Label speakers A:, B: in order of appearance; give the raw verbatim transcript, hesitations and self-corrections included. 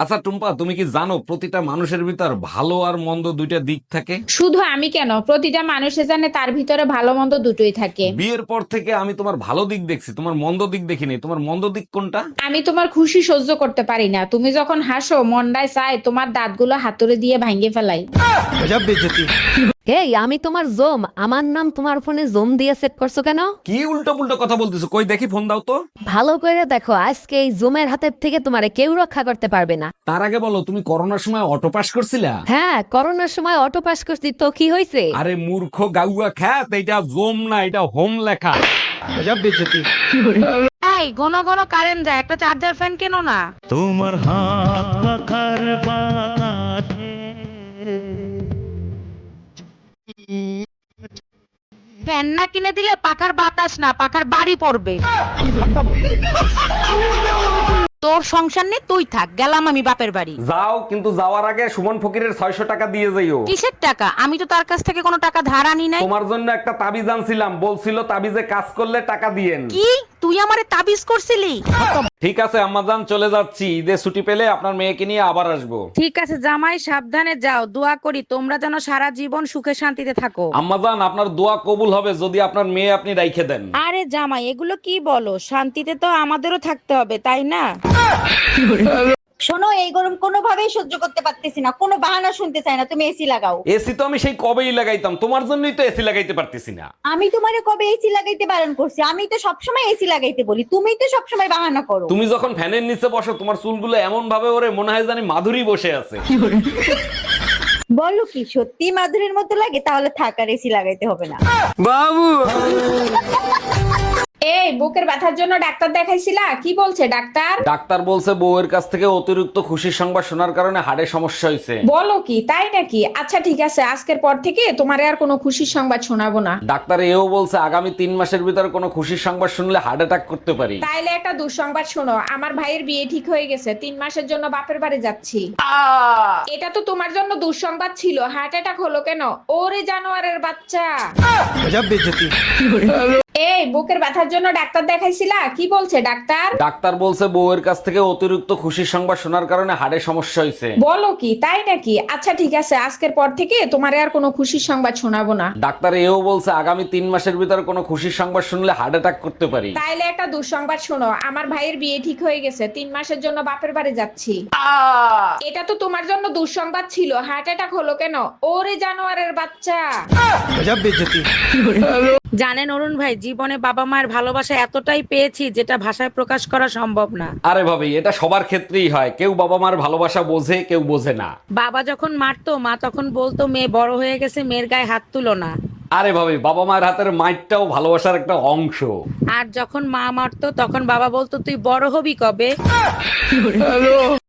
A: আচ্ছা টুম্পা, তুমি কি জানো প্রতিটা মানুষের ভিতর ভালো আর মন্দ দুইটা দিক থাকে?
B: শুধু আমি কেন, প্রতিটা মানুষে জানে তার ভিতরে ভালো মন্দ দুটোই থাকে।
A: বিয়ের পর থেকে আমি তোমার ভালো দিক দেখছি, তোমার মন্দ দিক দেখিনি। তোমার মন্দ দিক কোনটা?
B: আমি তোমার খুশি সহ্য করতে পারি না। তুমি যখন হাসো মন্ডায় চায় তোমার দাঁতগুলো হাতুড়ে দিয়ে ভাঙ্গে ফেলাই।
C: এই আমি তোমার জোম, আমার নাম তোমার ফোনে জোম দিয়ে সেট করছো কেন?
A: কি উল্টো পুল্টো কথা বলতেছো? কই দেখি, ফোন দাও তো।
C: ভালো করে দেখো, আজকে এই জোমের হাতের থেকে তোমারে কেউ রক্ষা করতে পারবে না।
A: তার আগে বলো, তুমি করোনার সময় অটো পাস করছিলা?
C: হ্যাঁ, করোনার সময় অটো পাস করছি, তো কি হয়েছে?
A: আরে মূর্খ গাউয়া খ্যাত, এটা জোম না, এটা হোম লেখা।
D: এই ঘন ঘন কারেন্ট যায়, একটা চার্জার ফ্যান কেন না?
E: তোমার হাত পাখার বাতাসে
D: ফ্যান না কিনে দিলে পাখার বাতাস না, পাখার বাড়ি পড়বে। তোর সংসার নেই, তুই থাক, গেলাম আমি বাপের বাড়ি।
A: যাও, কিন্তু যাওয়ার আগে সুমন ফকিরের ছয়শো টাকা দিয়ে যাইও।
D: কিসের টাকা? আমি তো তার কাছ থেকে কোনো টাকা ধার আনি নাই।
A: তোমার জন্য একটা তাবিজ আনছিলাম, বলছিল তাবিজে কাজ করলে টাকা দিয়েন।
D: কি তুই আমারে তাবিজ করছিলি?
A: ঠিক আছে আম্মাজান, চলে যাচ্ছি। ঈদে ছুটি পেলে আপনার মেয়েকে নিয়ে আবার আসবো।
D: ঠিক আছে জামাই, সাবধানে যাও। দোয়া করি তোমরা যেন সারা জীবন সুখে শান্তিতে থাকো।
A: আম্মাজান, আপনার দোয়া কবুল হবে যদি আপনার মেয়ে আপনি রাইখে দেন।
D: আরে জামাই, এগুলো কি বলো? শান্তিতে তো আমাদেরও থাকতে হবে, তাই না?
F: শোনো, এই গরম কোনোভাবেই সহ্য করতে পারতেছি না, কোনো বাহানা শুনতে চাই না, তুমি এসি লাগাও।
A: এসি তো আমি সেই কবেই লাগাইতাম, তোমার জন্যই তো এসি লাগাইতে পারতেছি না।
F: আমি তোমারে কবে এসি লাগাইতে বারণ করছি? আমি তো সবসময় এসি লাগাইতে বলি, তুমি তো সবসময় বাহানা করো।
A: তুমি যখন ফ্যানের নিচে বসো, তোমার চুলগুলো এমন ভাবে ওরে মনে হয় জানি মাধুরী বসে আছে।
F: বলো কি সত্যি মাধুরীর মতো লাগে? তাহলে থাক, আর এসি লাগাইতে হবে না।
B: এই বুকের ব্যথার জন্য ডাক্তার দেখাইছিলা? কি বলছে ডাক্তার?
A: ডাক্তার বলছে বউয়ের কাছ থেকে অতিরিক্ত খুশির সংবাদ শোনার কারণে হাড়ে সমস্যা হয়েছে।
B: বলো কি, তাই নাকি? আচ্ছা ঠিক আছে, আজকের পর থেকে তোমার আর কোনো খুশির সংবাদ শোনাবো না।
A: ডাক্তার এও বলছে আগামী তিন মাসের ভিতরে কোনো খুশির সংবাদ শুনলে হার্ট অ্যাটাক করতে পারি।
B: তাইলে একটা দুঃসংবাদ শোনো, আমার ভাইয়ের বিয়ে ঠিক হয়ে গেছে, তিন মাসের জন্য বাপের বাড়ি যাচ্ছি। এটা তো তোমার জন্য দুঃসংবাদ ছিল, হার্ট অ্যাটাক হলো কেন? ওরে জানোয়ারের বাচ্চা। এই বুকের ব্যথার জন্য ডাক্তার দেখাইছিলা? কি বলছে ডাক্তার?
A: ডাক্তার বলছে বউয়ের কাছ থেকে অতিরিক্ত খুশির সংবাদ শোনার কারণে হাড়ে সমস্যা হয়েছে।
B: বলো কি, তাই নাকি? আচ্ছা ঠিক আছে, আজকের পর থেকে তোমার আর কোনো খুশির সংবাদ শোনাবো না।
A: ডাক্তার এও বলছে আগামী তিন মাসের ভিতরে কোনো খুশির সংবাদ শুনলে হার্ট অ্যাটাক করতে পারি।
B: তাইলে একটা দুঃসংবাদ শোনো, আমার ভাইয়ের বিয়ে ঠিক হয়ে গেছে, তিন মাসের জন্য বাপের বাড়ি যাচ্ছি। এটা তো তোমার জন্য দুঃসংবাদ ছিল, হার্ট অ্যাটাক হলো কেন? ওরে জানোয়ারের বাচ্চা।
D: জানেন অরুণ ভাই, জীবনে বাবা মায়ের ভালোবাসা এতটাই পেয়েছি যেটা ভাষায় প্রকাশ করা সম্ভব না।
A: আরে ভাবি, এটা সবার ক্ষেত্রেই হয়, কেউ বাবা মার ভালোবাসা বোঝে, কেউ বোঝে না।
D: বাবা যখন মারতো, মা তখন বলতো মেয়ে বড় হয়ে গেছে, মেয়ের গায়ে হাত তুলো না।
A: আরে ভাবি, বাবা মায়ের হাতের মাইটটাও ভালোবাসার একটা অংশ।
D: আর যখন মা মারতো তখন বাবা বলতো তুই বড় হবি কবে।